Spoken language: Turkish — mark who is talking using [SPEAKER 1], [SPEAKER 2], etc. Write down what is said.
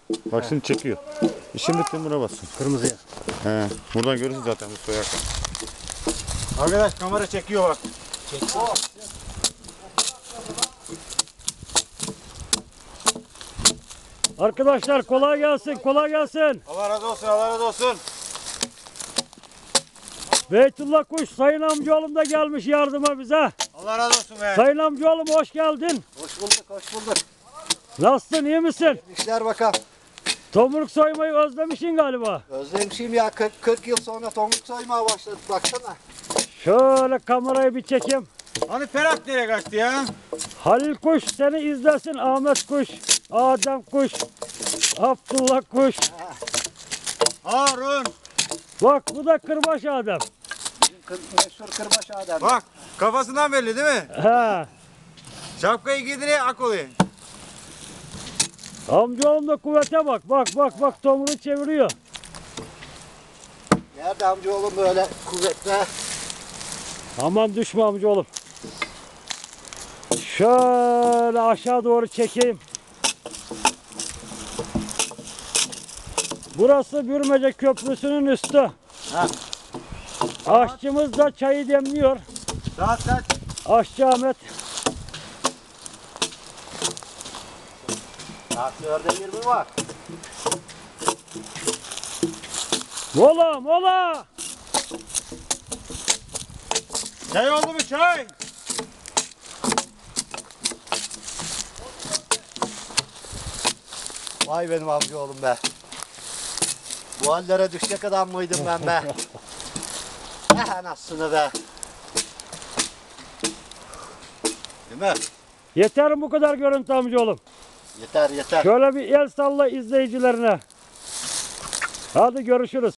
[SPEAKER 1] Bak şimdi çekiyor. İşin bittiğinde buna bassın.
[SPEAKER 2] Kırmızıya.
[SPEAKER 1] He. Buradan görürsün zaten bu soyak.
[SPEAKER 2] Arkadaş kamera çekiyor bak. Çekiyor.
[SPEAKER 3] Arkadaşlar kolay gelsin, kolay gelsin.
[SPEAKER 2] Allah razı olsun, Allah razı olsun.
[SPEAKER 3] Beytullah Kuş, Sayın amcaoğlum da gelmiş yardıma bize.
[SPEAKER 2] Allah razı olsun be.
[SPEAKER 3] Sayın amcaoğlum hoş geldin.
[SPEAKER 4] Hoş bulduk, hoş bulduk.
[SPEAKER 3] Nasılsın, iyi misin?
[SPEAKER 4] İşler bakalım.
[SPEAKER 3] Tomruk soymayı özlemişsin galiba.
[SPEAKER 4] Özlemişim ya, 40 yıl sonra tomruk soymaya başladık, baksana.
[SPEAKER 3] Şöyle kamerayı bir çekeyim.
[SPEAKER 2] Hani Ferhat nereye kaçtı ya?
[SPEAKER 3] Halil Kuş seni izlesin, Ahmet Kuş, Adem Kuş, Abdullah Kuş.
[SPEAKER 2] Harun.
[SPEAKER 3] Bak bu da Kırbaç Adem.
[SPEAKER 4] Meşhur kırbaç Adem.
[SPEAKER 2] Bak kafasından belli değil mi?
[SPEAKER 3] He.
[SPEAKER 2] Şapkayı giydiriyor ak oluyor.
[SPEAKER 3] Amcaoğlum da kuvvete bak, bak tomruğu çeviriyor.
[SPEAKER 4] Nerede amcaoğlum böyle kuvvetli?
[SPEAKER 3] Aman düşme amcaoğlum. Şöyle aşağı doğru çekeyim. Burası Bürmece Köprüsü'nün üstü.
[SPEAKER 2] Ha.
[SPEAKER 3] Aşçımız da çayı demliyor.
[SPEAKER 2] Saat kaç?
[SPEAKER 3] Aşçı Ahmet.
[SPEAKER 4] Saat 4'e 20 var.
[SPEAKER 3] Mola mola.
[SPEAKER 2] Çay oldu mu çay?
[SPEAKER 4] Vay benim amcaoğlum be. Bu hallere düşecek adam mıydım ben be? Anasını be. Değil mi?
[SPEAKER 3] Yeter mi bu kadar görüntü amcaoğlum?
[SPEAKER 4] Yeter yeter.
[SPEAKER 3] Şöyle bir el salla izleyicilerine. Hadi görüşürüz.